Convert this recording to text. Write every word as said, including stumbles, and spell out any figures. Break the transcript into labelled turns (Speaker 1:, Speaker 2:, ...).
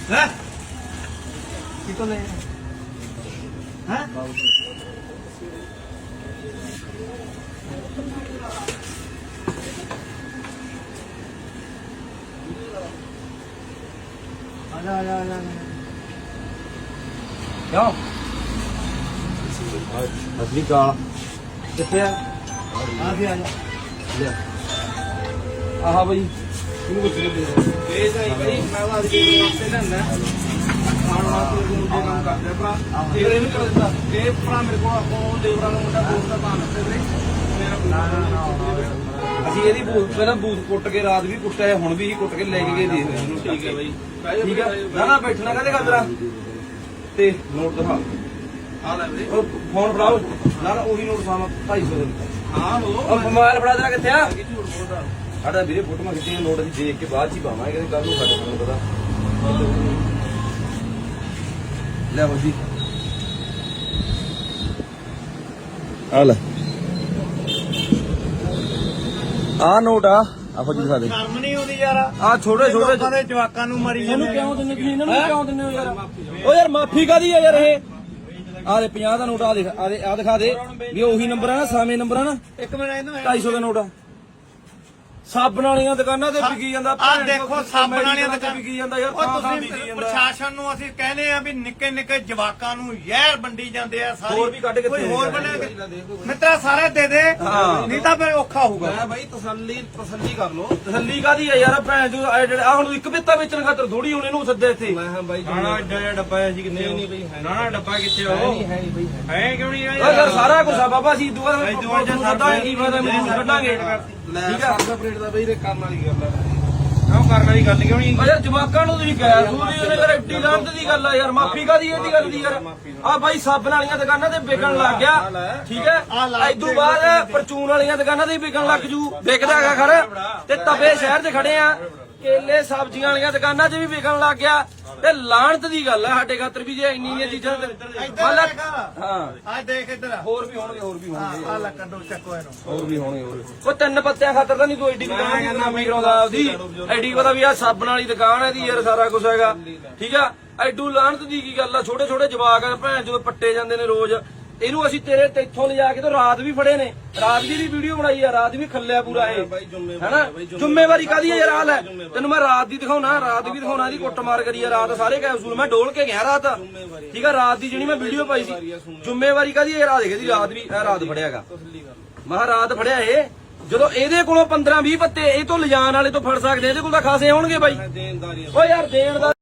Speaker 1: है कितो ले हैं आजा आजा आजा क्यों असली का कितने आ भी आजा ले आहा भाई ਇਹਨੂੰ ਕੁਝ ਦੇ ਦੇ ਸਹੀ ਭਾਈ ਮੈਂ ਉਹ ਅੱਜ ਦੇ ਵਾਸਤੇ ਲੈਣਾ ਆਣ ਵਾਸਤੇ ਮੁੰਡੇ ਕੰਮ ਕਰਦੇ ਭਰਾ ਤੇਰੇ ਨੂੰ ਕਰ ਦਿੰਦਾ ਇਹ ਭਰਾ ਮੇਰੇ ਕੋਲ ਆਪੋ ਦੇਵਰਾ ਨੂੰ ਮੁੰਡਾ ਦੋਸਤ ਦਾ ਭਾਣ ਤੇ ਮੇਰਾ ਨਾ ਨਾ ਨਾ ਅਸੀਂ ਇਹਦੀ ਬੂਥ ਪਹਿਲਾਂ ਬੂਥ ਕੁੱਟ ਕੇ ਰਾਤ ਵੀ ਕੁੱਟਿਆ ਹੁਣ ਵੀ ਹੀ ਕੁੱਟ ਕੇ ਲੈ ਕੇ ਗਏ ਦੇ ਇਹਨੂੰ ਠੀਕ ਹੈ ਬਾਈ ਠੀਕ ਹੈ ਨਾ ਨਾ ਬੈਠਣਾ ਕਹਦੇ ਗਾਦਰਾ ਤੇ ਨੋਟ ਦਿਖਾ ਆ ਲੈ ਵੀਰੇ ਉਹ ਫੋਨ ਫੜਾਓ ਨਾ ਨਾ ਉਹੀ ਨੋਟ ਸਾਮਾ ਢਾਈ ਸੌ ਦੇ ਹਾਂ ਉਹ ਮੋਬਾਈਲ ਫੜਾ ਦੇਣਾ ਕਿੱਥੇ ਆ ਸਾਡਾ ਵੀਰੇ ਫੋਟੋਆਂ ਖਿੱਚੀਆਂ ਨੋਟ ਅਸੀਂ ਦੇਖ ਕੇ ਬਾਅਦ ਚ ਹੀ ਪਾਵਾਂਗੇ ਕਹਿੰਦੇ ਕੱਲ ਨੂੰ ਸਾਡੇ ਤੁਹਾਨੂੰ ਪਤਾ ਲੈ ਹੋ ਜੀ ਆ ਲੈ ਆ ਨੋਟ ਆ ਆਹੋ ਜੀ ਦਿਖਾ ਦੇ ਸ਼ਰਮ ਨਹੀਂ ਆਉਂਦੀ ਯਾਰ ਆ ਛੋਟੇ ਛੋਟੇ ਦੇ ਜਵਾਕਾਂ ਨੂੰ ਮਰੀ ਜਾਂਦੇ ਇਹਨੂੰ ਕਿਉਂ ਦਿੰਦੇ ਤੁਸੀਂ ਇਹਨਾਂ ਨੂੰ ਕਿਉਂ ਦਿੰਦੇ ਹੋ ਯਾਰ ਓ ਯਾਰ ਮਾਫੀ ਕਾਦੀ ਆ ਯਾਰ ਇਹ ਆ ਦੇ ਪੰਜਾਹ ਦਾ ਨੋਟ ਆ ਦੇਖ ਆ ਦੇ ਆ ਦਿਖਾ ਦੇ ਵੀ ਉਹੀ ਨੰਬਰ ਆ ਨਾ ਸਾਵੇਂ ਨੰਬਰ ਆ ਨਾ ਇੱਕ ਮਿੰਟ ਇਹਨੂੰ ਢਾਈ ਸੌ ਦਾ ਨੋਟ ਆ ਸਾਬਣ ਵਾਲੀਆਂ ਦੁਕਾਨਾਂ ਤੇ ਵਿਕੀ ਜਾਂਦਾ
Speaker 2: ਆ ਦੇਖੋ ਸਾਬਣ ਵਾਲੀਆਂ ਦੁਕਾਨਾਂ
Speaker 1: ਵਿਕੀ ਜਾਂਦਾ ਯਾਰ
Speaker 2: ਉਹ ਤੁਸੀਂ ਪ੍ਰਸ਼ਾਸਨ ਨੂੰ ਅਸੀਂ ਕਹਿੰਦੇ ਆ ਵੀ ਨਿੱਕੇ ਨਿੱਕੇ ਜਵਾਕਾਂ ਨੂੰ ਜ਼ਹਿਰ ਵੰਡੀ ਜਾਂਦੇ ਆ ਸਾਰੀ
Speaker 1: ਹੋਰ ਵੀ ਕੱਢ ਕੇ
Speaker 2: ਕੋਈ ਹੋਰ ਬਣਾ ਮਿੱਤਰਾ ਸਾਰੇ ਦੇ ਦੇ ਨਹੀਂ ਤਾਂ ਫਿਰ ਔਖਾ ਹੋਊਗਾ
Speaker 1: ਮੈਂ ਬਾਈ ਤਸੱਲੀ ਤਸੱਲੀ ਕਰ ਲੋ ਤਸੱਲੀ ਕਾਦੀ ਆ ਯਾਰ ਭੈਣ ਜੋ ਆ ਹੁਣ ਇੱਕ ਬਿੱਤਾ ਵੇਚਣ ਖਾਤਰ ਥੋੜੀ ਹੁਣ ਇਹਨੂੰ ਸੱਦੇ ਇੱਥੇ ਮੈਂ ਹਾਂ ਬਾਈ
Speaker 2: ਨਾ ਐਡਾ ਡੱਬਾ ਸੀ ਕਿੱਥੇ ਨਹੀਂ ਬਈ ਨਾ ਨਾ ਡੱਬਾ ਕਿੱਥੇ ਉਹ
Speaker 1: ਨਹੀਂ ਹੈ ਨਹੀਂ ਬਈ
Speaker 2: ਹੈ ਕਿਉਂ ਨਹੀਂ
Speaker 1: ਯਾਰ ਸਾਰਾ ਕੁਝ ਆ ਬਾਬਾ ਸੀ ਦੁਆ ਸੱਦਾ ਕੀ ਫਾਇਦਾ ਮੈਨੂੰ ਕੱਢਾਂਗੇ ਠੀਕ ਆ
Speaker 2: ਆਪਰੇਟ ਦਾ ਬਈ ਕਰਨ ਵਾਲੀ ਗੱਲ ਆ ਕਿਉਂ ਕਰਨ ਵਾਲੀ ਗੱਲ ਕਿਉਂ ਨਹੀਂ
Speaker 1: ਯਾਰ ਜਵਾਕਾਂ ਨੂੰ ਤੁਸੀਂ ਕਹਿ ਸੂਰੀ ਉਹਨੇ ਯਾਰ ਐਡੀ ਲਾਂਤ ਦੀ ਗੱਲ ਆ ਯਾਰ ਮਾਫੀ ਕਾਦੀ ਇਹਦੀ ਗੱਲ ਦੀ ਯਾਰ ਆ ਬਾਈ ਸਾਬਣ ਵਾਲੀਆਂ ਦੁਕਾਨਾਂ ਤੇ ਵਿਕਣ ਲੱਗ ਗਿਆ ਠੀਕ ਹੈ ਇਦੋਂ ਬਾਅਦ ਪਰਚੂਨ ਵਾਲੀਆਂ ਦੁਕਾਨਾਂ ਤੇ ਵਿਕਣ ਲੱਗ ਜੂ ਵਿਕਦਾ ਹੈਗਾ ਖਰ ਤੇ ਤਵੇ ਸ਼ਹਿਰ 'ਚ ਖੜੇ ਆ ਕੇਲੇ ਸਬਜ਼ੀਆਂ ਵਾਲੀਆਂ ਦੁਕਾਨਾਂ 'ਚ ਵੀ ਵਿਕਣ ਲੱਗ ਗਿਆ ਤੇ ਲਾਹਣਤ ਦੀ ਗੱਲ ਆ ਸਾਡੇ ਖਾਤਰ ਵੀ ਜੇ ਇੰਨੀਆਂ ਚੀਜ਼ਾਂ ਹਾਂ
Speaker 2: ਆ ਦੇਖ ਇੱਧਰ
Speaker 1: ਹੋਰ ਵੀ ਹੋਣਗੇ ਹੋਰ ਵੀ ਹੋਣਗੇ
Speaker 2: ਆ ਲੈ ਕੱਢੋ ਚੱਕੋ ਇਹਨੂੰ
Speaker 1: ਹੋਰ ਵੀ ਹੋਣਗੇ ਹੋਰ ਉਹ ਤਿੰਨ ਪੱਤਿਆਂ ਖਾਤਰ ਤਾਂ ਨਹੀਂ ਤੂੰ ਐਡੀ ਦੁਕਾਨ ਨਾਮੀ ਕਰਾਉਂਦਾ ਆਪਦੀ ਐਡੀ ਪਤਾ ਵੀ ਆ ਸਾਬਣ ਵਾਲੀ ਦੁਕਾਨ ਹੈ ਦੀ ਯਾਰ ਸਾਰਾ ਕੁਝ ਹੈਗਾ ਠੀਕ ਆ ਐਡੂ ਲਾਹਣਤ ਦੀ ਕੀ ਗੱਲ ਆ ਛੋਟੇ ਛੋਟੇ ਜਵਾਕ ਆ ਭੈਣ ਜਦੋਂ ਪੱਟੇ ਜਾਂਦੇ ਨੇ ਰੋਜ਼ ਇਹਨੂੰ ਅਸੀਂ ਤੇਰੇ ਤੇ ਇੱਥੋਂ ਲਿਜਾ ਕੇ ਤੇ ਰਾਤ ਵੀ ਫੜੇ ਨੇ ਰਾਤ ਦੀ ਵੀਡੀਓ ਬਣਾਈ ਆ ਰਾਤ ਵੀ ਖੱਲਿਆ ਪੂਰਾ ਇਹ ਹੈਨਾ ਜ਼ਿੰਮੇਵਾਰੀ ਕਾਦੀ ਆ ਯਾਰ ਆ ਲੈ ਤੈਨੂੰ ਮੈਂ ਰਾਤ ਦੀ ਦਿਖਾਉਣਾ ਰਾਤ ਵੀ ਦਿਖਾਉਣਾ ਇਹਦੀ ਕੁੱਟਮਾਰ ਕਰੀ ਆ ਰਾਤ ਸਾਰੇ ਕੈਪਸੂਲ ਮੈਂ ਡੋਲ ਕੇ ਗਿਆ ਰਾਤ ਠੀਕ ਆ ਰਾਤ ਦੀ ਜਿਹੜੀ ਮੈਂ ਵੀਡੀਓ ਪਾਈ ਸੀ ਜ਼ਿੰਮੇਵਾਰੀ ਕਾਦੀ ਯਾਰ ਆ ਦੇਖ ਇਹਦੀ ਰਾਤ ਵੀ ਇਹ ਰਾਤ ਫੜਿਆਗਾ ਮੈਂ ਰਾਤ ਫੜਿਆ ਇਹ ਜਦੋਂ ਇਹਦੇ ਕੋਲੋਂ ਪੰਦਰਾਂ ਵੀਹ ਪੱਤੇ ਇਹ ਤੋਂ ਲਿਜਾਣ ਵਾਲੇ ਤੋਂ ਫੜ ਸਕਦੇ ਇਹਦੇ ਕੋਲ ਤਾਂ ਖਾਸੇ ਹੋਣਗੇ ਬਾਈ ਓ ਯਾਰ ਦੇਣ ਦਾ